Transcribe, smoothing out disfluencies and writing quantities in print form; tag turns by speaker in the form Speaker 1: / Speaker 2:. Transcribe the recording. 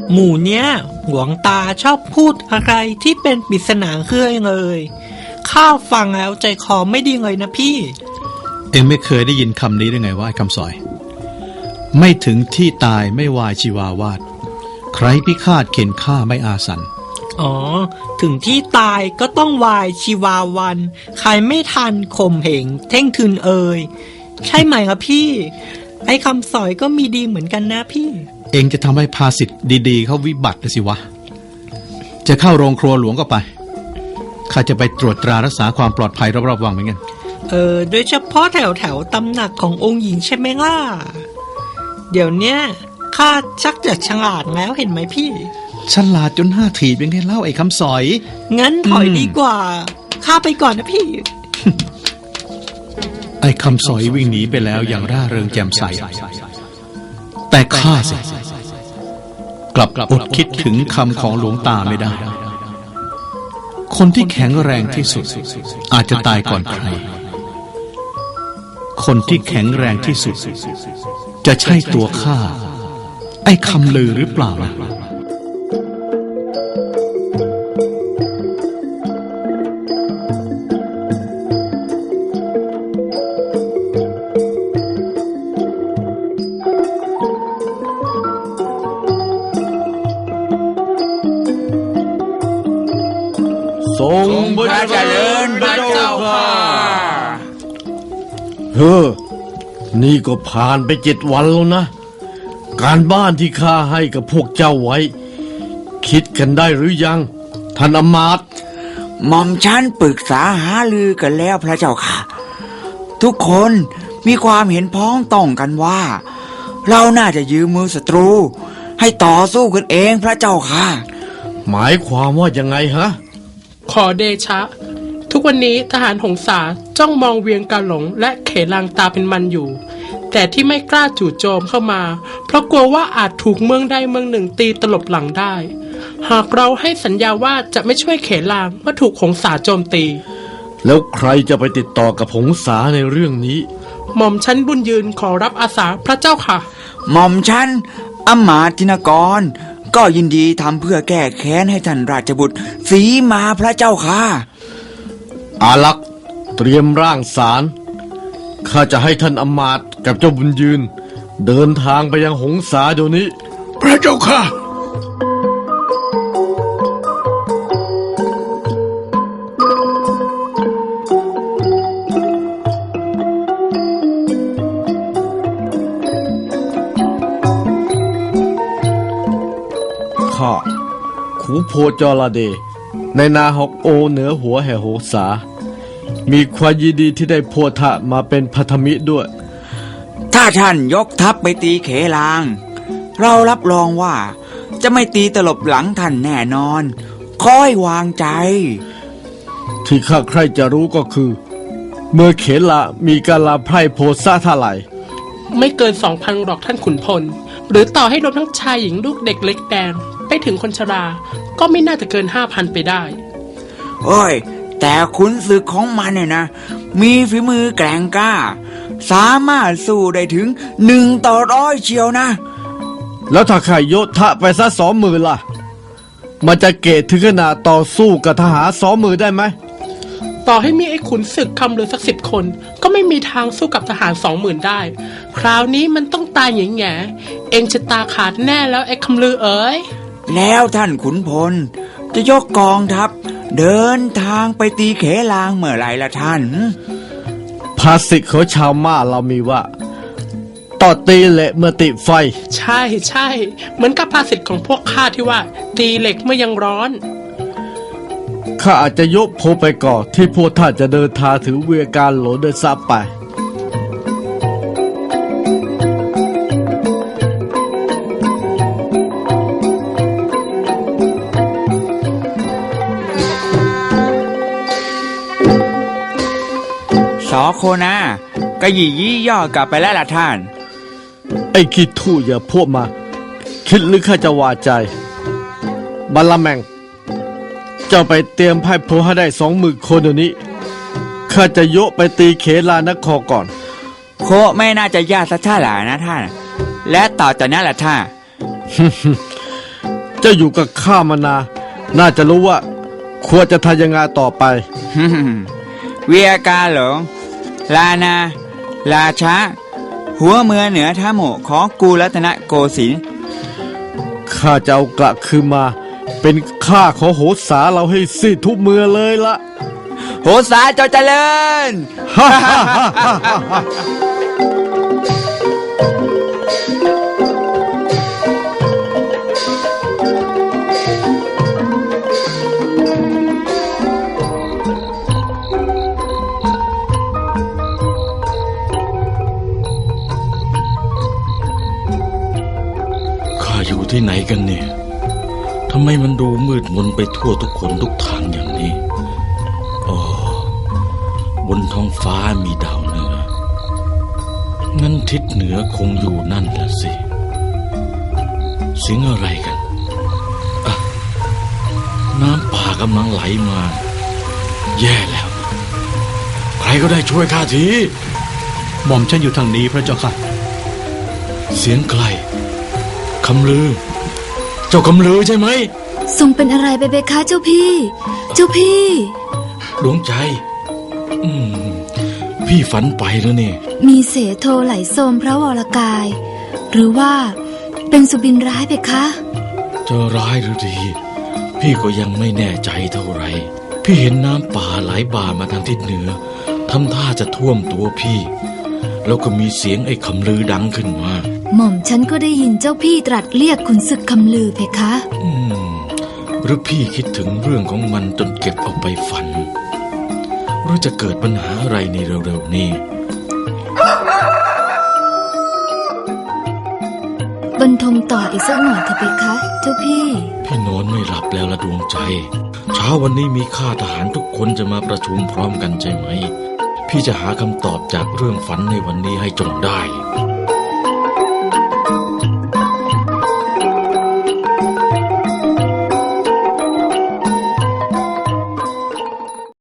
Speaker 1: หมู่เนี้ยหลวงตาชอบพูดอะไรที่เป็นปริศนาเครื่องเลยข้าฟังแล้วใจคอไม่ดีเลยนะพี่
Speaker 2: เอ็งไม่เคยได้ยินคำนี้ได้ไงว่าไอ้คำสอยไม่ถึงที่ตายไม่วายชีวาวาดใครพิฆาตเข็นฆ่าไม่อาสัน
Speaker 1: อ๋อถึงที่ตายก็ต้องวายชีวาวันใครไม่ทันข่มเหงเท่งทึนใช่ไหมครับพี่ไอ้คำสอยก็มีดีเหมือนกันนะพี่
Speaker 2: เอ็งจะทำให้ภาษิตดีๆเขาวิบัติสิวะจะเข้าโรงครัวหลวงก็ไปข้าจะไปตรวจตรารักษาความปลอดภัยรอบๆวังเหมือนกัน
Speaker 1: โดยเฉพาะแถวตำหนักขององค์หญิงใช่ไหมล่ะเดี๋ยวเนี้ยข้าชักจะฉลาดแล้วเห็นไหมพี่
Speaker 2: ฉลาดจนห้าถีบเป็นไงเล่าไอ้คำสอย
Speaker 1: งั้นถอยดีกว่าข้าไปก่อนนะพี่
Speaker 2: ไอ้คำสอยวิ่งหนีไปแล้วอย่างร่าเริงแจ่มใสแต่ข้าสิกลับอดคิดถึงคำของหลวงตาไม่ได้คนที่แข็งแรงที่สุดอาจจะตายก่อนใครคนที่แข็งแรงที่สุดจะใช่ตัวข้าไอ้คำลือหรือเปล่านะ
Speaker 3: ทรงพระเจริญพระเจ้าค่ะนี่ก็ผ่านไป7 วันแล้วนะการบ้านที่ข้าให้กับพวกเจ้าไว้คิดกันได้หรือยังท่านอมาตย์
Speaker 4: หม่อมฉันปรึกษาหารือกันแล้วพระเจ้าค่ะทุกคนมีความเห็นพ้องต้องกันว่าเราน่าจะยืมมือศัตรูให้ต่อสู้กันเองพระเจ้าค่ะ
Speaker 3: หมายความว่ายังไงฮะ
Speaker 5: ขอเดชะทุกวันนี้ทหารหงสาจ้องมองเวียงกาหลงและเขลางตาเป็นมันอยู่แต่ที่ไม่กล้าจู่โจมเข้ามาเพราะกลัวว่าอาจถูกเมืองใดเมืองหนึ่งตีตลบหลังได้หากเราให้สัญญาว่าจะไม่ช่วยเขลางเมื่อถูกหงสาโจมตี
Speaker 3: แล้วใครจะไปติดต่อกับหงสาในเรื่องนี้
Speaker 5: หม่อมชั้นบุญยืนขอรับอาสาพระเจ้าค่ะ
Speaker 4: หม่อมชั้นอมาตินกรก็ยินดีทำเพื่อแก้แค้นให้ท่านราชบุตรสีมาพระเจ้าค่ะ
Speaker 3: อาลักษ์เตรียมร่างสารข้าจะให้ท่านอมาตย์กับเจ้าบุญยืนเดินทางไปยังหงสาเดี๋ยวนี้
Speaker 2: พระเจ้าค่ะ
Speaker 3: ข้าขูโพจรเดในนาฮอกโอเหนือหัวแห่โหสามีความยินดีที่ได้โพธะมาเป็นพันธมิตรด้วย
Speaker 4: ถ้าท่านยกทัพไปตีเขลางเรารับรองว่าจะไม่ตีตลบหลังท่านแน่นอนค่อยวางใจ
Speaker 3: ที่ข้าใครจะรู้ก็คือเมื่อเขละมีการลาไพร่โพธะเท่าไหร่
Speaker 5: ไม่เกิน 2,000 หรอกท่านขุนพลหรือต่อให้รวมทั้งชายหญิงลูกเด็กเล็กแดงไปถึงคนชราก็ไม่น่าจะเกิน 5,000 ไปได้
Speaker 4: โอ้ยแต่ขุนศึกของมันเนี่ยนะมีฝีมือแกร่งกล้าสามารถสู้ได้ถึง1:100เชียวนะ
Speaker 3: แล้วถ้าข้าโยธะไปซะ20,000ล่ะมันจะเกตถึงขนาดต่อสู้กับทหาร20,000ได้ไหม
Speaker 5: ต่อให้มีไอ้ขุนศึกคำเรือสัก10 คนก็ไม่มีทางสู้กับทหาร 20,000ได้คราวนี้มันต้องตายแง่ๆเองจะตาขาดแน่แล้วไอ้คำลือเอ๋ย
Speaker 4: แล้วท่านขุนพลจะยกกองทัพเดินทางไปตีเขลางเมื่อไรล่ะท่าน
Speaker 3: ภาษิตของชาวม่าเรามีว่าต่อตีเหล็กเมื่อติดไฟ
Speaker 5: ใช่เหมือนกับภาษิตของพวกข้าที่ว่าตีเหล็กเมื่อยังร้อน
Speaker 3: ข้าอาจจะยกโพไปก่อนที่พวกท่านจะเดินทางถึงเวียงกาหลงเดินซับไป
Speaker 4: สอโคนาก็ยี่ย่อกลับไปแล้วล่ะท่าน
Speaker 3: ไอ้คิดทู่อย่าพวกมาคิดหรือข้าจะวาใจบัลลัมแมงเจ้าไปเตรียมไพ่โพให้ได้20,000 คนเดี๋ยวนี้ข้าจะยกไปตีเขลานครก่อน
Speaker 4: โคไม่น่าจะยากสักเท่าไหร่นะท่านและต่อจากนั้นล่ะท่าน
Speaker 3: เจ้าอยู่กับข้ามานานน่าจะรู้ว่า ควรจะทำยังไงต่อไป
Speaker 4: เวียกาหลงลานาราชาหัวเมืองเหนือท่าโมของกูรัตนโกสินทร์
Speaker 3: ข้าจะเอากลับคืนมา เป็นข้าของโหสาเราให้สิ้นทุกเมืองเลยละ
Speaker 4: โหสาเจ้าเจริญ
Speaker 6: ข้าอยู่ที่ไหนกันเนี่ย ทำไมมันดูมืดมนไปทั่วทุกคนทุกทางอย่างนี้อ๋อบนท้องฟ้ามีดาวเหนือ งั้นทิศเหนือคงอยู่นั่นแหละสิเสียงอะไรกันอ่ะน้ำป่ากำลังไหลมา แย่แล้ว ใครก็ได้ช่วยข้าที
Speaker 2: หม่อมฉันอยู่ทางนี้พระเจ้าค่ะ
Speaker 6: เสียงใครคำลือ เจ้าคำลือใช่ไหม
Speaker 7: ทรงเป็นอะไรไปเบคะเจ้าพี่ เจ้าพี่
Speaker 6: ดวงใจ พี่ฝันไปแล้วนี่
Speaker 7: มีเสโทไหลโสมพระวรกาย หรือว่าเป็นสุบินร้ายเบคะ
Speaker 6: จะร้ายหรือดี พี่ก็ยังไม่แน่ใจเท่าไหร่ พี่เห็นน้ำป่าไหลบ่ามาทางทิศเหนือทำท่าจะท่วมตัวพี่ แล้วก็มีเสียงไอ้คำลือดังขึ้นมา
Speaker 7: หม่อมฉันก็ได้ยินเจ้าพี่ตรัสเรียกขุนศึกคำลือเพคะ
Speaker 6: หรือพี่คิดถึงเรื่องของมันจนเก็บเอาไปฝัน หรือจะเกิดปัญหาอะไรในเร็วๆนี้
Speaker 7: บรรทมต่ออีกสักหน่อยเถอะเพคะ เจ้าพี่
Speaker 6: พี่นอนไม่หลับแล้วละดวงใจ เช้าวันนี้มีข้าทหารทุกคนจะมาประชุมพร้อมกันใช่ไหม พี่จะหาคำตอบจากเรื่องฝันในวันนี้ให้จงได้